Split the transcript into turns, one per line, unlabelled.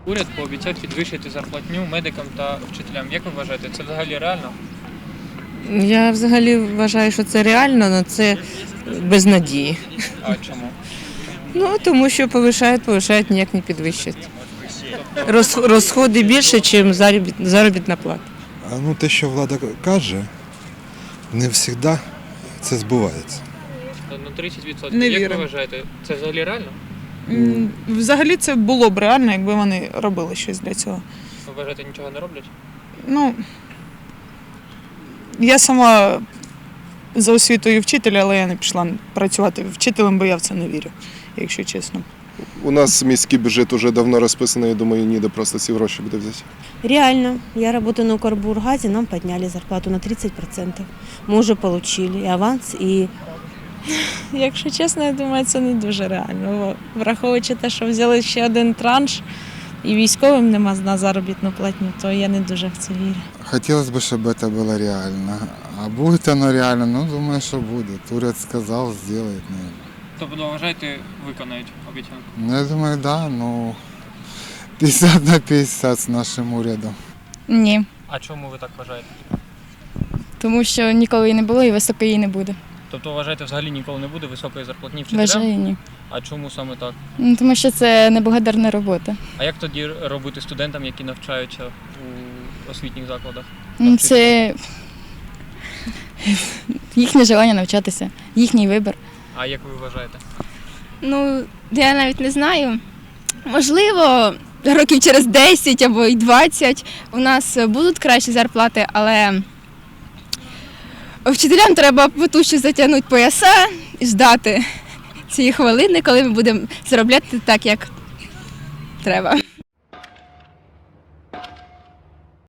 Уряд пообіцяв підвищити зарплатню медикам та вчителям. Як ви вважаєте, це взагалі реально?
Я взагалі вважаю, що це реально, але це без надії.
А чому?
Ну, тому що повишають, ніяк не підвищать. Розходи більше, ніж заробітна плата.
Ну, те, що влада каже, не завжди це збувається.
На 30%.
Не
Як ви
віримо.
вважаєте, це взагалі реально?
Взагалі це було б реально, якби вони робили щось для цього.
Ви вважаєте, нічого не роблять?
Ну, я сама за освітою вчитель, але я не пішла працювати вчителем, бо я в це не вірю, якщо чесно.
У нас міський бюджет вже давно розписаний, я думаю, ніде просто ці гроші буде взяти.
Реально. Я работаю на Укрбургазе, нам подняли зарплату на 30%. Мы уже получили и аванс, и...
Якщо чесно, я думаю, це не дуже реально. Враховуючи те, що взяли ще один транш і військовим нема на заробітну платню, то я не дуже в це вірю.
Хотелось бы, чтобы это было реально. А будет оно реально? Ну, думаю, что будет. Уряд сказал, сделает, наверное.
Тобто, вважаєте, виконають обіцянку?
Ну, я думаю, да, ну, 50 на 50 с нашим урядом.
Ні,
А чому ви так вважаєте?
тому що ніколи її не було і високої її не буде.
Тобто, вважаєте, взагалі ніколи не буде високої зарплатні вчителям?
Вважаю, ні.
А чому саме так?
Ну, тому що це неблагодарна робота.
А як тоді робити студентам, які навчаються у освітніх закладах?
Ну, це їхнє желання навчатися, їхній вибір.
А як ви вважаєте?
Ну, я навіть не знаю. Можливо, років через 10 або й 20 у нас будуть кращі зарплати, але вчителям треба потужче затягнути пояса і ждати цієї хвилини, коли ми будемо заробляти так, як треба.